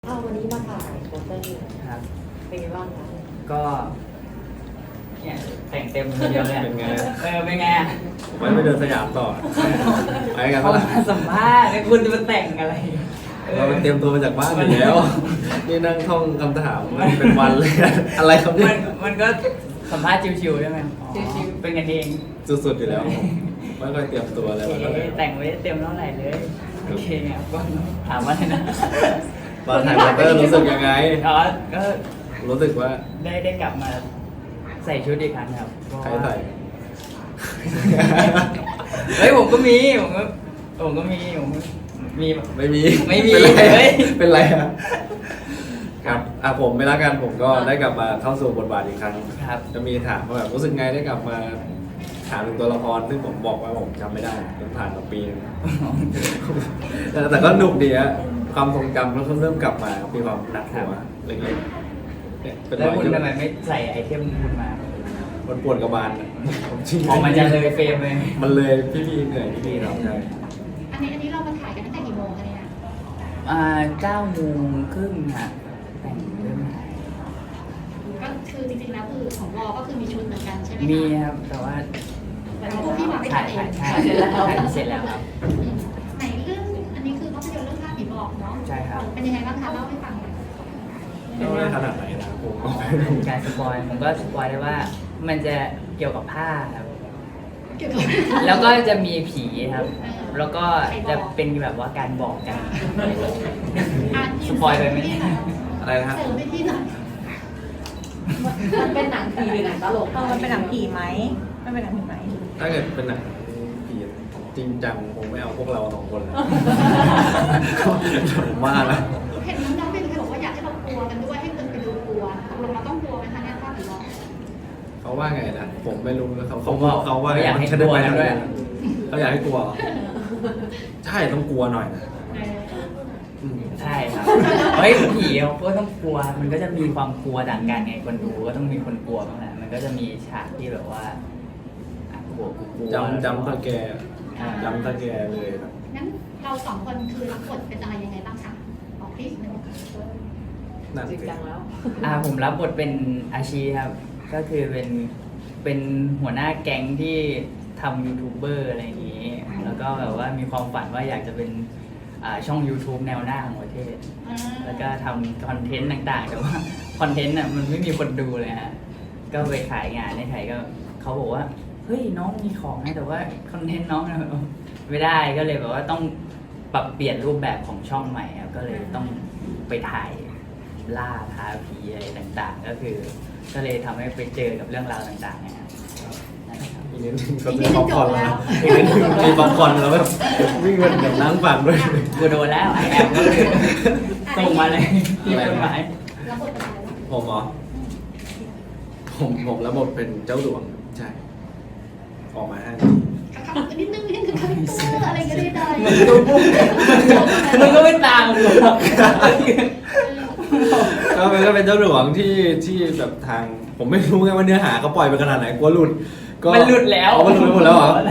วันนี้มาถ่ายโปสเตอร์ครับเป็นไงบ้างคะก็เนี่ยแต่งเต็มคนเดียวเลยอะเป็นไงเป็นไงอะไว้ไปเดินสยามต่อไปกันเขาปะล่ะมาสัมภาษณ์แล้วคุณจะมาแต่งอะไรเราไปเตรียมตัวมาจากบ้านอยู่แล้ว นี่นั่งท่องคำถามเป็นวันเลย อะไรครับเนี่มัยนก็สัมภาษณ์ชิวๆใช่ไหมชิวๆเป็นกันเองสุดๆอยู่แล้วไม่ค่อยเตรียมตัวอะไรโอมาเคเลยแต่งไว้เต็มเท่าไหร่เลยโอเคครับก็ถามว่าอะไรนะมาถ่ายโปสเตอร์รู้สึกยังไงอ๋อก็รู้สึกว่าได้กลับมาใส่ชุดอีกครั้งครับเพราะใครว่าใส่เฮ้ยผมก็มีผมก็มีแบบไม่มีไม่มีเป็นไรเฮ้ยเป็นไรอะครับผมไม่ละกันผมก็ได้กลับมาเข้าสู่บทบาทอีกครั้งครับจะมีถามว่าแบบรู้สึกไงได้กลับมาถามถึงตัวละครซึ่งผมบอกว่าผมจำไม่ได้มันผ่านมาปีนึง แต่ก็หนุกดีอะความทรงจำเริ่มกลับมามีความหนักหัวเล็กๆเนี่ยเป็นแล้วรอยคุณที่ทำไมไม่ใส่ไอเทมคุณมามันปวดกระบาลอะผมจริงออกมาจะเลยเฟรมเลยมันเลยพี่ๆเหนื่อยพี่ๆเราใช่อันนี้เรามาถ่ายกันตั้งแต่กี่โมงคะเนี่ย 9:30ค่ะแต่งเริ่มถ่ายก็คือจริงๆแล้วคือของวอก็คือมีชุดเหมือนกันใช่ไหมคะมีครับแต่ว่าแต่ว่าพวกพี่มาไม่ถ่าทัยนเองถ่ายเสร็จแล้วครับไหนเรื่องอันนี้คือภาพยนตร์เรื่องภาพผีบอกเนาะใช่ครับเป็นยังไงบ้างคะเล่าให้ฟังหน่อยไม่ได้ขนาดไหนนะผมก็ไม่รู้การสปอยผมก็สปอยได้ว่ามันจะเกี่ยวกับผ้าครับเกี่ยวกับแล้วก็จะมีผีครับ แล้วก็จะเป็นแบบว่าการบอกกัน สปอยไปไหมอะไรนะฮะเสริมไปที่หน่อยมันเป็นหนังผีหรือหนังตลกมันเป็นหนังผีไหมมันเป็นหนังผีไหมถ้าเกิดเป็นหนังผีจริงจังผมไม่เอาพวกเราสองคนเลยผมว่านะเห็นน้องๆเป็นใครบอกว่าอยากให้เรากลัวกันด้วยให้คนไปดูกลัวตกลงเราต้องกลัวไหมคะเนี่ยภาพผีบอกเขาว่าไงนะผมไม่รู้นะเขาผมว่าเขาว่าเขาอยากให้ฉันได้ไปกลัวด้วยเขาอยากให้กลัวเหรอใช่ต้องกลัวหน่อยนะอืมใช่ครับ เฮ้ยผีเขาก็ต้องกลัว มันก็จะมีความกลัวต่างกันไง คนดูก็ต้องมีคนกลัวบ้างแหละมันก็จะมีฉากที่แบบว่าอ่ะกลัวกูกลัวจำตะแกจำตะแกเลยครับงั้นเราสองคนคือรับบทเป็นอะไรยังไงบ้างคะบอกพี่หนึ่งนั่นจริงสิจังแล้วผมรับบทเป็นอาชีครับ ก็คือเป็นหัวหน้าแก๊งที่ทำยูทูบเบอร์อะไรอย่างนี้ แล้วก็แบบว่ามีความฝันว่าอยากจะเป็นช่อง YouTube แนวหน้าของประเทศ แล้วก็ทำคอนเทนต์ต่างๆ แต่ว่าคอนเทนต์มันไม่มีคนดูเลยฮะ ก็ไปขายงานในไทยก็เขาบอกว่า เฮ้ยน้องมีของนะแต่ว่าคอนเทนต์น้องไม่ได้ก็เลยแบบว่าต้องปรับเปลี่ยนรูปแบบของช่องใหม่ครับก็เลยต้องไปถ่ายล่าท้าผีอะไรต่างๆ ก็คือ ก็เลยทำให้ไปเจอกับเรื่องราวต่างๆนะครับนั่นแหละครับอีกนิดนึงเขาซื้อป๊อปคอร์นแล้วอีกนิดนึงมีป๊อปคอร์นแล้วแบบวิ่งมาเดี๋ยวนั่งฟังด้วยกูโดนแล้วไอแอมก็คือส่งมาเลยที่จดหมายรับบทเป็นอะไรบ้างผมเหรอผมแล้วบทเป็นเจ้าหลวงใช่ ออกมาให้ครับนิดนึงคาแรคเตอร์อะไรก็ได้ได้มึงก็ไม่ตามกูหรอกก็เป็นเจ้าหลวงที่แบบทางผมไม่รู้ไงว่าเนื้อหาเขาปล่อยไปขนาดไหนกลัวหลุดก็มันหลุดแล้วอ๋อมันหลุดไปหมดแล้วเหรอ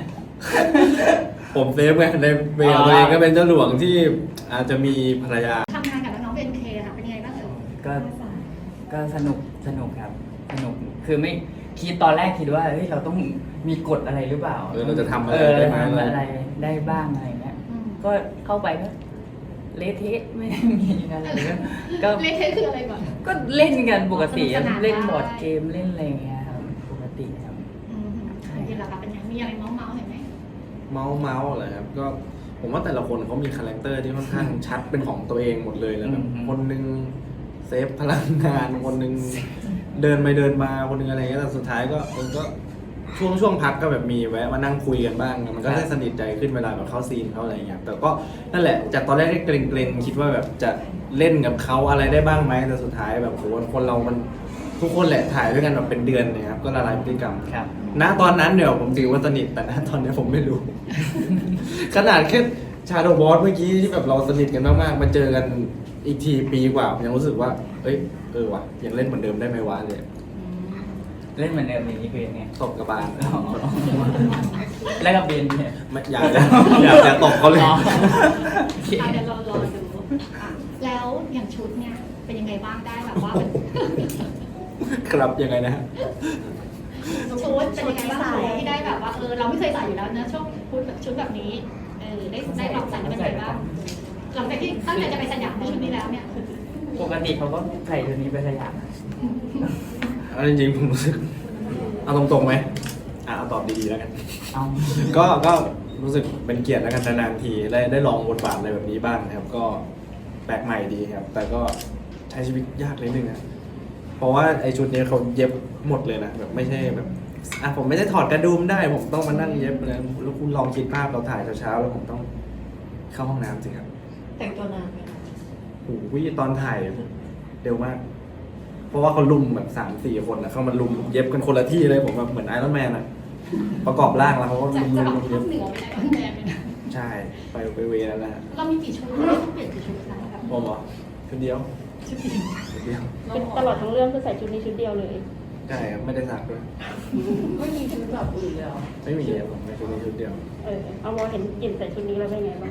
ผมเซฟไงในเวลตัวเองก็เป็นเจ้าหลวงที่อาจจะมีภรรยาทำงานกับน้องๆเป็นเคค่ะเป็นยังไงบ้างเอ่ยก็สนุกครับสนุกคือไม่คิดตอนแรกคิดว่าเฮ้ยเราต้องมีกฎอะไรหรือเปล่าเราจะทำอะไรได้ได้ไหมทำอะไรได้บ้างอะไรเงี้ยก็เข้าไปก็เละเทะไม่ได้มีอะไรก็เล่นเทคืออะไรก่อนก็เล่นกันปกติสนุกสนานเล่นบอร์ดเกมเล่นอะไรเงี้ยครับปกติครับจริงๆแล้วค่ะเป็นยังมีอะไรเมาส์ๆเห็นไหมเมาส์เหรอครับก็ผมว่าแต่ละคนเขามีคาแรคเตอร์ที่ค่อนข้างชัดเป็นของตัวเองหมดเลยแล้วแบบคนหนึงเซฟพลังงานคนหนึงเดินไปเดินมาคนหนึงอะไรเงี้ยแต่สุดท้ายก็ช่วงพักก็แบบมีแวะมานั่งคุยกันบ้างมันก็ได้สนิทใจขึ้นเวลาแบบเข้าซีนเขาอะไรเงี้ยแต่ก็นั่นแหละจากตอนแรกที่เกรงๆคิดว่าแบบจะเล่นกับเขาอะไรได้บ้างไหมแต่สุดท้ายแบบโหคนเรามันทุกคนแหละถ่ายด้วยกันแบบเป็นเดือนเลยครับก็ละลายพฤติกรรมครับณตอนนั้นเดี๋ยวผมถือว่าสนิทแต่ณตอนนี้ผมไม่รู้ ขนาดแค่ชาโดว์บอสเมื่อกี้ที่แบบเราสนิทกันมากๆมาเจอกันอีกทีปีกว่าผมยังรู้สึกว่าเอ้ยว่ะยังเล่นเหมือนเดิมได้ไหมวะเลยเล่นเหมือนเดิมอย่างนี้คือยังไงตบกระบาลแล้วกับเบนเนี่ยไม่อยากจะตบเขาเลยอ๋อโอเคเดี๋ยวเรารอดูแล้วอย่างชุดเนี่ยเป็นยังไงบ้างได้แบบว่าครับยังไงนะฮะชุดเป็นยังไงบ้างที่ได้แบบว่าเราไม่เคยใส่อยู่แล้วนะช่วงชุดแบบนี้ได้ลองใส่แล้วเป็นยังไงบ้างหลังจากที่ตั้งใจจะไปสยามในชุดนี้แล้วเนี่ยปกติเขาก็ใส่ตัวนี้ไปสยามนะเอาจริงๆผมรู้สึกเอาตรงๆไหมเอาตอบดีๆแล้วกันเอาก็รู้สึกเป็นเกียรติแล้วกันนานๆทีได้ลองบทบาทอะไรแบบนี้บ้างนะครับ ก็แปลกใหม่ดีครับ แต่ก็ใช้ชีวิตยากนิดนึงนะเพราะว่าไอชุดนี้เขาเย็บหมดเลยนะแบบไม่ใช่แบบผมไม่ได้ถอดกระดุมได้ผมต้องมานั่งเย็บเลยแล้วคุณลองคิดภาพเราถ่ายเช้าๆแล้วผมต้องเข้าห้องน้ำสิครับแต่งตัวนานไหมคะโอ้โหตอนถ่ายเร็วมาก เพราะว่าเขาลุมแบบ3-4 คนนะเข้ามาลุมเย็บกันคนละที่เลยผมแบบเหมือนไอรอนแมนอะประกอบร่างแล้วเขาก็จะลุมจะแบบลุมภาเย็คบเหนือไปไหนกันแน่เลยนะใช่ไปเวนั่นแหละเรามีกี่ชุดเราต้องเปลี่ยนกี่ชุดคะแบบผมเหรอชุดเดียวชุดเดียวชุดเดียวเป็นตลอดทั้งเรื่องคือใส่ชุดนี้ชุดเดียวเลยใช่ครับไม่ได้สักด้วยไม่มีชุดแบบอื่นเลยเหรอไม่มีครับผมในชุดนี้ชุดเดียวเอามอเห็นหยินใส่ชุดนี้แล้วเป็นไงบ้าง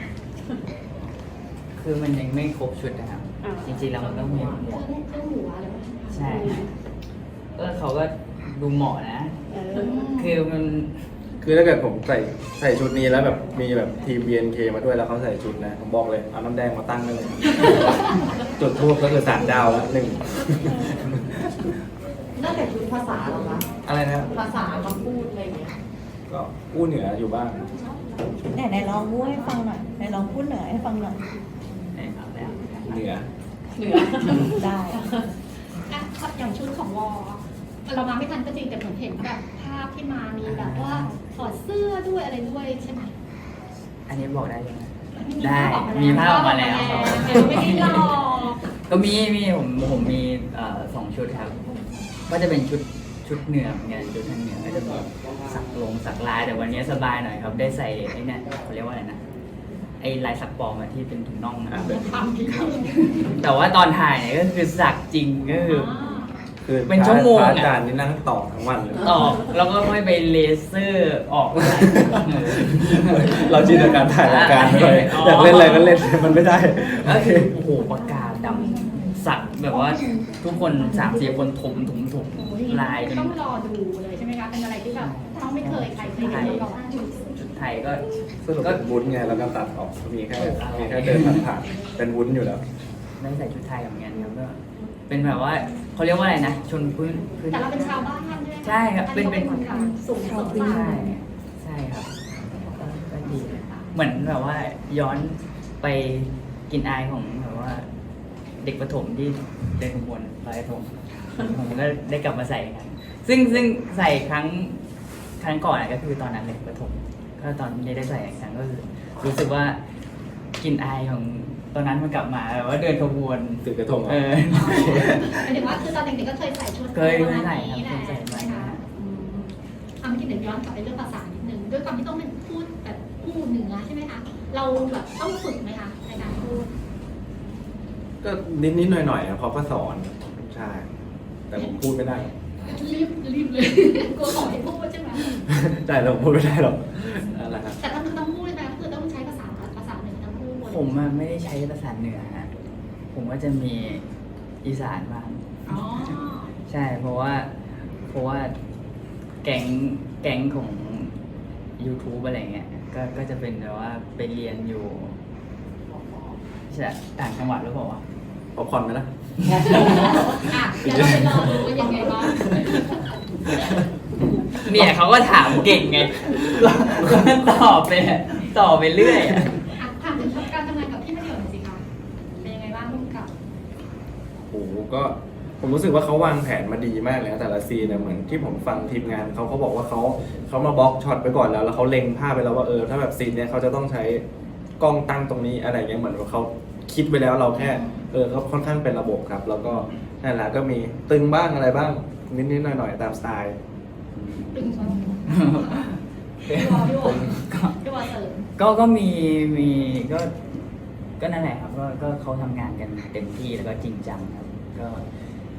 คือมันยังไม่ครบชุดนะครับอ่าจริงๆแล้วมันต้องมีหมวกเครื่องหัวอะไรแบบนี้ใช่เขาก็ดูเหมาะนะ คือมันคือถ้าเกิดผมใส่ชุดนี้แล้วแบบมีแบบทีม BNK มาด้วยแล้วเขาใส่ชุดนะผมบอกเลยเอาน้ำแดงมาตั้งได้เลย จุดทูบก็คือ3 ดาวแล้ว1 นอกจากชุดภาษาเหรอคะอะไรนะภาษาคำพูดอะไรอย่างเงี้ยก็กู้เหนืออยู่บ้างไหนลองพูดให้ฟังหน่อยไหนลองพูดเหนือให้ฟังหน่อยเอาแล้วเหนือเหนือได้อย่างชุดของวอเรามาไม่ทันก็จริงแต่ผมเห็นแบบภาพที่มามีแบบว่าถอดเสื้อด้วยอะไรด้วยใช่ไหมอันนี้บอกได้ใช่ไหมมีได้ภาพออกมามีภาพออกมาแล้วไม่ได้หลอกก็มีผมมี2 ชุดครับ ก็จะเป็นชุดเหนือเหมือนกันชุดทางเหนือก็จะแบบสักลายแต่วันนี้สบายหน่อยครับ ได้ใส่ไอ้เนี่ยเขาเรียกว่าอะไรนะไอ้ลายสักปลอมที่เป็นถุงน่องนะทำผิดแต่ว่าตอนถ่ายเนี่ยก็คือสักจริงก็คือคือเป็นชั่วโมงพอะระอาจารย์นี่นั่งต่อทั้งวันเลยออกแล้วก็ไม่ไปเลเซอร์ออกอะไรเราจินตนาการถ่ายรายการไปเลยอ๋อออยากเล่นอะไรก็เล่นมันไม่ได้ก็คือโอ้โหปากกาดำสักแบบว่าทุกคน3-4 คนถมลายจนต้องรอดูเลยใช่ไหมคะเป็นอะไรที่แบบเราไม่เคยใครเคยเห็นมาก่อนชุดไทยก็สรุปเป็นวุ้นไงแล้วก็ตัดออกมีแค่เดินผ่านๆเป็นวุ้นอยู่แล้วได้ใส่ชุดไทยเหมือนกันครับก็เป็นแบบว่าเขาเรียกว่าอะไรนะชนพื้นแต่เราเป็นชาวบ้านใช่ไหมใช่ครับเป็นสูงสุดใช่ใช่ครับก็ดีเหมือนแบบว่าย้อนไปกินอายของแบบว่า เด็กประถมที่เดินขบวนลอยกระทงผมก็ได้กลับมาใส่กันซึ่งใส่ครั้งก่อนก็คือตอนนั้นเลยประถมก็ตอนนี้ได้ใส่อีกครั้งก็คือรู้สึกว่ากินอายของตอนนั้นมันกลับมาแบบว่าเดินขบวนถือกระทงเหรอหมายถึงว่าคือตอนเด็กๆก็เคยใส่ชุดเคยใส่ครับนี้แหละเคยใส่ใช่ไหมคะเมื่อกี้เดี๋ยวย้อนกลับไปเรื่องภาษานิดนึงด้วยความที่ต้องเป็นพูดแบบพูดเหนือใช่ไหมคะเราแบบต้องฝึกไหมคะในการพูดก็นิดๆหน่อยๆอะเขาก็สอนใช่แต่ผมพูดไม่ได้รีบเลยกลัวขอให้พูดใช่ไหมใช่แต่ผมพูดไม่ได้หรอกนั่นแหละครับแต่ถ้าคือต้องพูดใช่ไหมคือต้องใช้ภาษาเหนือทั้งพูดผมอะไม่ได้ใช้ภาษาเหนือนะผมก็จะมีอีสานบ้างอ๋อใช่เพราะว่าแก๊งของ YouTube อะไรเงี้ยก็จะเป็นแบบว่าไปเรียนอยู่ใช่ต่างจังหวัดหรือเปล่าวะพอผ่อนไหมล่ะอ่ะเดี๋ยวเราไปรอดูว่ายังไงบ้างเนี่ยเขาก็ถามเก่งไงก็ตอบไปเรื่อยอะถามถึงการทำงานกับพี่ณเดชน์หน่อยสิคะเป็นยังไงบ้างร่วมกับโอ้โหก็ผมรู้สึกว่าเขาวางแผนมาดีมากเลยนะแต่ละซีนเนี่ยเหมือนที่ผมฟังทีมงานเขาบอกว่าเขามาบล็อกช็อตไปก่อนแล้วเขาเล็งภาพไปแล้วว่าถ้าแบบซีนเนี่ยเขาจะต้องใช้กล้องตั้งตรงนี้อะไรเงี้ยเหมือนว่าเขาคิดไว้แล้วเราแค่เขาค่อนข้างเป็นระบบครับ แล้วก็นั่นแหละก็มีตึงบ้างอะไรบ้างนิดๆหน่อยๆตามสไตล์ตึงชนพี่วอเสริมก็มีก็นั่นแหละครับก็เขาทำงานกันเต็มที่แล้วก็จริงจังครับก็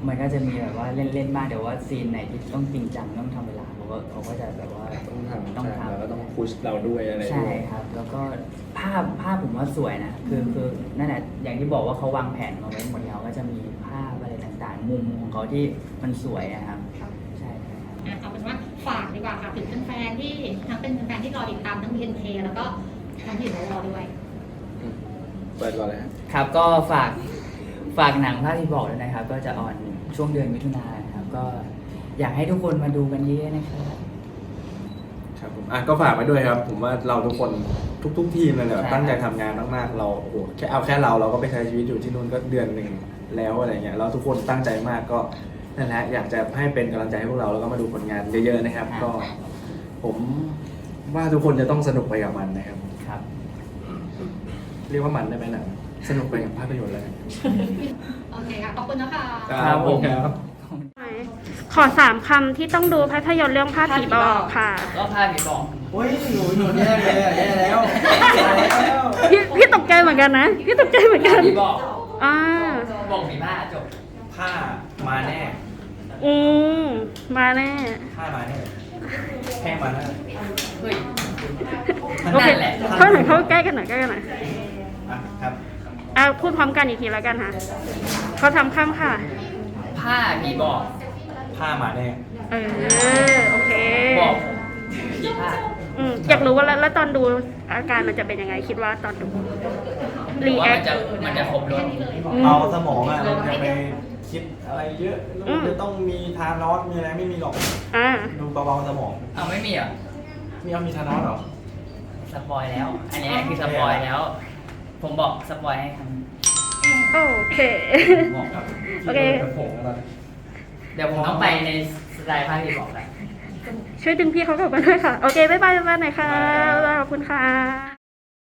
มันก็จะมีแบบว่าเล่นๆบ้างเดี๋ยวว่าซีนไหนที่ต้องจริงจังต้องทำเวลาเขาก็จะแบบว่าต้องทำต้องทำแล้วก็ต้องพุชเราด้วยอะไรใช่ด้วยครับ แล้วก็ภาพผมว่าสวยนะคือนั่นแหละอย่างที่บอกว่าเขาวางแผนมาไว้หมดแล้วก็จะมีภาพอะไรต่างๆ มุมของเขาที่มันสวยนะครับใช่ครับเอาเป็นว่าฝากดีกว่าค่ะถึงแฟนๆที่ทั้งเป็นแฟนๆที่รอติดตามทั้ง BNK แล้วก็ทั้งที่รอด้วยเปิดก่อนเลยครับครับก็ฝากหนังภาคที่บอกด้วยนะครับ ก็จะออนช่วงเดือนมิถุนายนนะครับ ก็อยากให้ทุกคนมาดูกันเยอะๆนะครับครับผมก็ฝากไปด้วยครับ ผมว่าเราทุกคนทุกทีมเลยแหละใช่ตั้งใจทำงานมากๆเราโอ้โหแค่เราก็ไปใช้ชีวิตอยู่ที่นู่นก็เดือนหนึ่งแล้วอะไรเงี้ยเราทุกคนตั้งใจมากก็นั่นแหละอยากจะให้เป็นกำลังใจให้พวกเราแล้วก็มาดูผลงานเยอะๆนะครับ ก็ผมว่าทุกคนจะต้องสนุกไปกับมันนะครับครับเรียกว่ามันได้ไหมหนังสนุกไปกับภาพยนตร์เลยโอเคค่ะ ขอบคุณนะคะครับผมครับขอ3 คำที่ต้องดูภาพยนตร์เรื่องภาพผีบอกค่ะก็ภาพที่บอกโอ้ยหนูแย่เลยแย่แล้วพี่ตกใจเหมือนกันนะ พี่ตกใจเหมือนกันที่บอกอ่าบอกผีผ้าจบผ้ามาแน่อืมมาแน่ผ้ามาแน่แห้งมาแน่เฮ้ยโอเคนั่นแหละเข้าหน่อยเข้าใกล้กันหน่อยใกล้กันหน่อยครับพูดพร้อมกันอีกทีแล้วกันค่ะเขาทำคำค่ะผ้าผีบอกผ้ามาแน่โอเคบอกผีผ้าอยากรู้ว่าแล้วตอนดูอาการมันจะเป็นยังไงคิดว่าตอนดูรีว่าแอคมันจะครบรถเอาสมองเราจะไปคิดอะไรเยอะจะต้องมีทานอสมีอะไรไม่มีหรอกอ่าดูเบาๆสมองเอาไม่มีเหรอมีทานอสหรอสปอยแล้ว อันนี้คือสปอยแล้ว ผมบอกสปอยให้ครับโอเคบอกครับโอเคเดี๋ยวผมต้องไปในสไตล์ภาคที่บอกแหละช่วยดึงพี่เขากลับมาด้วยค่ะ โอเค บ๊ายบายหน่อยค่ะบ๊ายบายขอบคุณค่ะ